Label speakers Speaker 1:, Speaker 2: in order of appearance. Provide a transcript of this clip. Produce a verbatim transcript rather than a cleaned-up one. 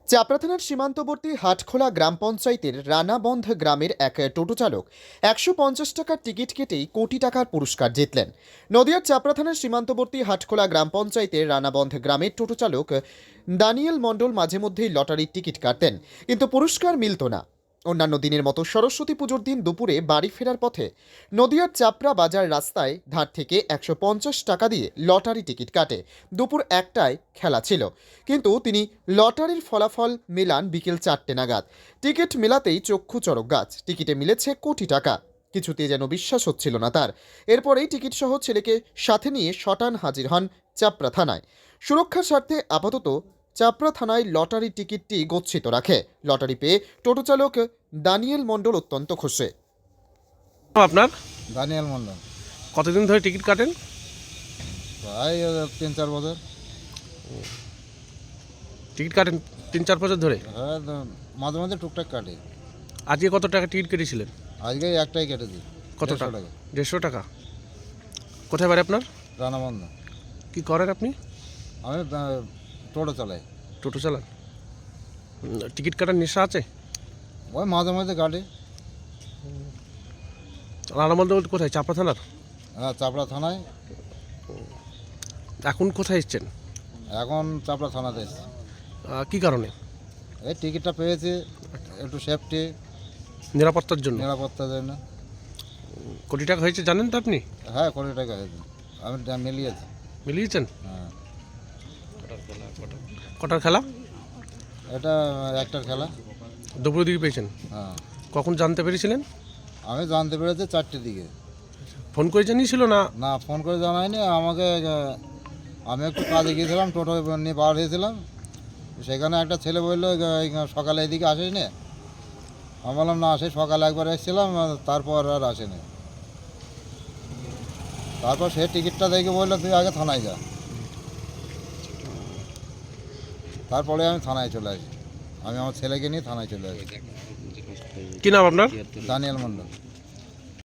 Speaker 1: চাপড়া থানার সীমান্তবর্তী হাটখোলা গ্রাম পঞ্চায়েতের রানাবন্ধ গ্রামের এক টোটো চালক একশো পঞ্চাশ টাকার টিকিট কেটেই কোটি টাকার পুরস্কার জিতলেন। নদিয়ার চাপড়া থানার সীমান্তবর্তী হাটখোলা গ্রাম পঞ্চায়েতের রানাবন্ধ গ্রামের টোটো চালক দানিয়েল মণ্ডল মাঝে মধ্যেই লটারির টিকিট কাটতেন, কিন্তু পুরস্কার মিলত না। অন্যান্য দিনের মতো সরস্বতী পুজোর দিন দুপুরে বাড়ি ফেরার পথে নদিয়ার চাপড়া বাজার রাস্তায় ধার থেকে একশো পঞ্চাশ টাকা দিয়ে লটারি টিকিট কাটে। দুপুর একটায় খেলা ছিল, কিন্তু তিনি লটারির ফলাফল মেলান বিকেল চারটে নাগাদ। টিকিট মেলাতেই চক্ষু চড়ক গাছ, টিকিটে মিলেছে কোটি টাকা। কিছুতে যেন বিশ্বাস হচ্ছিল না তার। এরপরেই টিকিট সহ ছেলেকে সাথে নিয়ে শটান হাজির হন চাপড়া থানায়। সুরক্ষার স্বার্থে আপাতত চাপড়া থানায় লটারি টিকিটটি গচ্ছিত রাখে। লটারি পেয়ে টোটো চালক দানিয়েল মণ্ডল অত্যন্ত খুশি।
Speaker 2: আপনার
Speaker 3: দানিয়েল মন্ডল।
Speaker 2: কতদিন ধরে টিকিট কাটেন?
Speaker 3: প্রায় তিন চার বছর।
Speaker 2: টিকিট কাটেন তিন চার বছর ধরে?
Speaker 3: হ্যাঁ, মাঝে মাঝে টুকটাক কাটে।
Speaker 2: আজকে কত টাকা টিকিট কেটেছিলেন?
Speaker 3: আজকে একটাই কেটেছি।
Speaker 2: কত
Speaker 3: দেড়শো
Speaker 2: টাকা? দেড়শো টাকা। কোথায় বাড়ি আপনার?
Speaker 3: রানাবন্ধ।
Speaker 2: কি করেন আপনি?
Speaker 3: আমি আহ, টোটো চালাই।
Speaker 2: টোটো চালান? উম, টিকিট কাটার নেশা আছে?
Speaker 3: ওই মাঝে মাঝে কাটে।
Speaker 2: রানামন্দ কোথায়? চাপড়া থানার?
Speaker 3: হ্যাঁ, চাপড়া থানায়।
Speaker 2: এখন কোথায় এসছেন?
Speaker 3: এখন চাপড়া থানাতে এসেছি।
Speaker 2: আহ, কি কারণে?
Speaker 3: এই টিকিটটা পেয়েছি একটু সেফটি,
Speaker 2: নিরাপত্তার জন্য?
Speaker 3: নিরাপত্তার জন্য।
Speaker 2: কোটি টাকা হয়েছে জানেন তো আপনি?
Speaker 3: হ্যাঁ, কোটি টাকা হয়েছে। আমি ডা- মিলিয়েছি।
Speaker 2: মিলিয়েছেন?
Speaker 3: হ্যাঁ,
Speaker 2: কটার খেলা?
Speaker 3: এটা একটার খেলা।
Speaker 2: দুপুরের দিকে পেয়েছেন?
Speaker 3: হ্যাঁ,
Speaker 2: কখন জানতে পেরেছিলেন?
Speaker 3: আমি জানতে পেরেছি চারটের দিকে।
Speaker 2: ফোন করে জানিয়েছিল না?
Speaker 3: না, ফোন করে জানায়নি আমাকে। আহ, আমি একটু কাজে গিয়েছিলাম, টোটো নিয়ে পার হয়েছিলাম। সেখানে একটা ছেলে বললো এই সকালে এদিকে আসেনি। আমি বললাম না, সেই সকালে একবার এসেছিলাম, তারপর আর আসেনি। তারপর সে টিকিটটা দেখে বললো তুই আগে থানায় যা। তারপরে আমি থানায় চলে আসি। আমি আমার ছেলেকে নিয়ে থানায় চলে আসি।
Speaker 2: কি নাম আপনার?
Speaker 3: দানিয়েল মন্ডল।